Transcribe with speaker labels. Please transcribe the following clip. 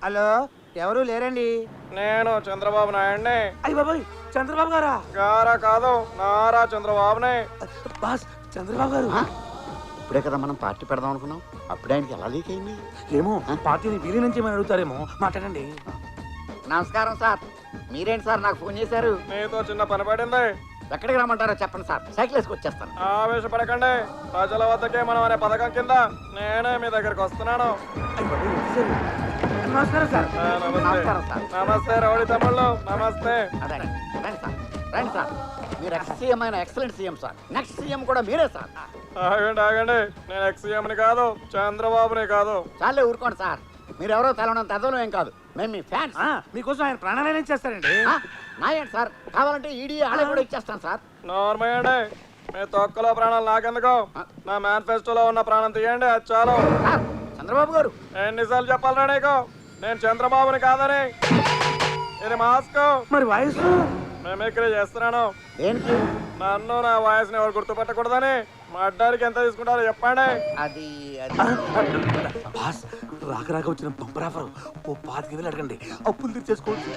Speaker 1: Hello, ఎవరు లేరండి.
Speaker 2: నేను చంద్రబాబు నాయుడిని.
Speaker 1: అయ్య బాబాయ్, చంద్రబాబు గారా?
Speaker 2: గారా కాదు, నారా చంద్రబాబుని.
Speaker 1: బాస్, చంద్రబాబు గారు.
Speaker 3: ఇప్పుడే కదా మనం పార్టీ పెడదాం అనుకున్నాం, అప్పుడే ఆయనకి ఎలా లీక్ అయింది?
Speaker 1: ఏమో, పార్టీని వీలి నుంచి ఏమైనా అడుగుతారేమో, మాట్లాడండి.
Speaker 3: నమస్కారం సార్. మీరేంటి సార్ నాకు ఫోన్ చేశారు?
Speaker 2: నీతో చిన్న పని పడింది.
Speaker 3: ఎక్కడికి రమ్మంటారో చెప్పండి సార్, సైకిల్ వేసుకు వచ్చేస్తాను.
Speaker 2: ఆవేశపడకండి. ప్రజల వద్దకే మనం అనే పథకం కింద నేనే మీ దగ్గరికి వస్తున్నాను.
Speaker 1: అయ్య బాబాయ్, వచ్చేసారు. నమస్కారం సార్.
Speaker 2: నమస్తే.
Speaker 3: నమస్కారం సార్.
Speaker 2: నమస్తే రౌడీ తమ్ముళ్ళు, నమస్తే.
Speaker 3: అదే రండి సార్, రండి సార్. మీరు ఎక్స్ సీఎం అయిన excellent CM sir. Next CM కూడా మీరే సార్.
Speaker 2: ఆగండి ఆగండి, నేను ఎక్స్ఎంని కాదు, చంద్రబాబుని కాదు.
Speaker 3: చాలే ఊరుకోండి సార్. మీరెవరో తెలవనంత అర్థం ఏం కాదు, మేము మీ ఫ్యాన్స్.
Speaker 1: మీకోసం ఆయన ప్రాణాలైనా చేస్తారండి.
Speaker 3: నాయండి సార్, కావాలంటే ఈడీ ఆడే కూడా ఇచ్చేస్తాను సార్.
Speaker 2: నార్మల్. మీ తొక్కలో ప్రాణాలు నాకెందుకు? నా మేనిఫెస్టోలో ఉన్న ప్రాణం తీయండి, అది చాలు.
Speaker 3: సార్, చంద్రబాబు గారు.
Speaker 2: ఎన్నిసార్లు చెప్పాలరా నీకు నేను చంద్రబాబుని కాదని? ఇది మాస్క్.
Speaker 1: మరి వాయిస్?
Speaker 2: మిమిక్రీ చేస్తున్నాను.
Speaker 3: దేనికి?
Speaker 2: నన్ను నా వాయిస్ ని ఎవరు గుర్తుపెట్టకూడదని. మా అడ్డానికి ఎంత తీసుకుంటారో చెప్పండి.
Speaker 3: అది
Speaker 1: బాస్, రాక రాక వచ్చిన బంపర్ ఆఫర్. ఓ 5,000 అడగండి, అప్పులు తీర్చేసుకోవచ్చు.